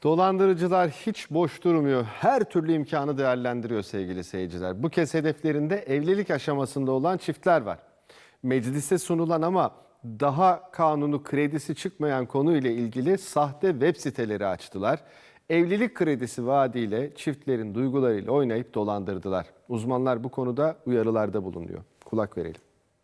Dolandırıcılar hiç boş durmuyor. Her türlü imkanı değerlendiriyor sevgili seyirciler. Bu kez hedeflerinde evlilik aşamasında olan çiftler var. Meclise sunulan ama daha kanunu kredisi çıkmayan konuyla ilgili sahte web siteleri açtılar. Evlilik kredisi vaadiyle çiftlerin duygularıyla oynayıp dolandırdılar. Uzmanlar bu konuda uyarılarda bulunuyor. Kulak verelim.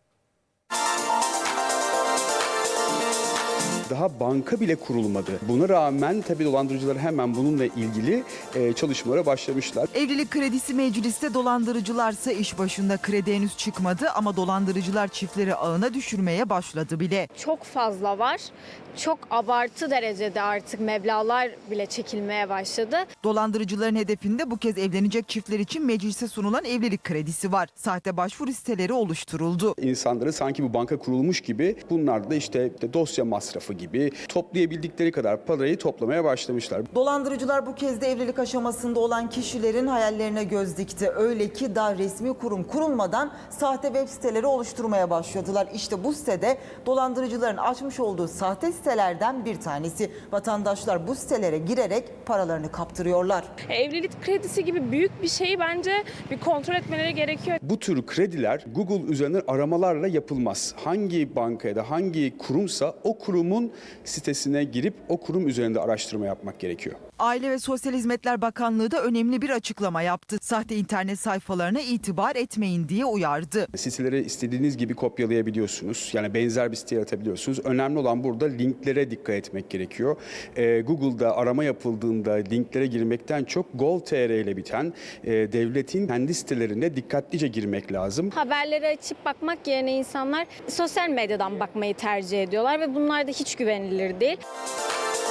Daha banka bile kurulmadı. Buna rağmen tabii dolandırıcılar hemen bununla ilgili çalışmalara başlamışlar. Evlilik kredisi mecliste, dolandırıcılarsa iş başında. Kredi henüz çıkmadı ama dolandırıcılar çiftleri ağına düşürmeye başladı bile. Çok fazla var. Çok abartı derecede artık meblağlar bile çekilmeye başladı. Dolandırıcıların hedefinde bu kez evlenecek çiftler için meclise sunulan evlilik kredisi var. Sahte başvuru siteleri oluşturuldu. İnsanları sanki bu banka kurulmuş gibi, bunlar da işte dosya masrafı gibi toplayabildikleri kadar parayı toplamaya başlamışlar. Dolandırıcılar bu kez de evlilik aşamasında olan kişilerin hayallerine göz dikti. Öyle ki daha resmi kurum kurulmadan sahte web siteleri oluşturmaya başladılar. İşte bu sitede dolandırıcıların açmış olduğu sahte sitelerden bir tanesi. Vatandaşlar bu sitelere girerek paralarını kaptırıyorlar. Evlilik kredisi gibi büyük bir şeyi bence bir kontrol etmeleri gerekiyor. Bu tür krediler Google üzerinden aramalarla yapılmaz. Hangi banka ya da hangi kurumsa o kurumun sitesine girip o kurum üzerinde araştırma yapmak gerekiyor. Aile ve Sosyal Hizmetler Bakanlığı da önemli bir açıklama yaptı. Sahte internet sayfalarına itibar etmeyin diye uyardı. Siteleri istediğiniz gibi kopyalayabiliyorsunuz. Yani benzer bir site yaratabiliyorsunuz. Önemli olan burada linklere dikkat etmek gerekiyor. Google'da arama yapıldığında linklere girmekten çok gov.tr ile biten devletin kendi sitelerine dikkatlice girmek lazım. Haberleri açıp bakmak yerine insanlar sosyal medyadan bakmayı tercih ediyorlar ve bunlar da hiç güvenilir değil.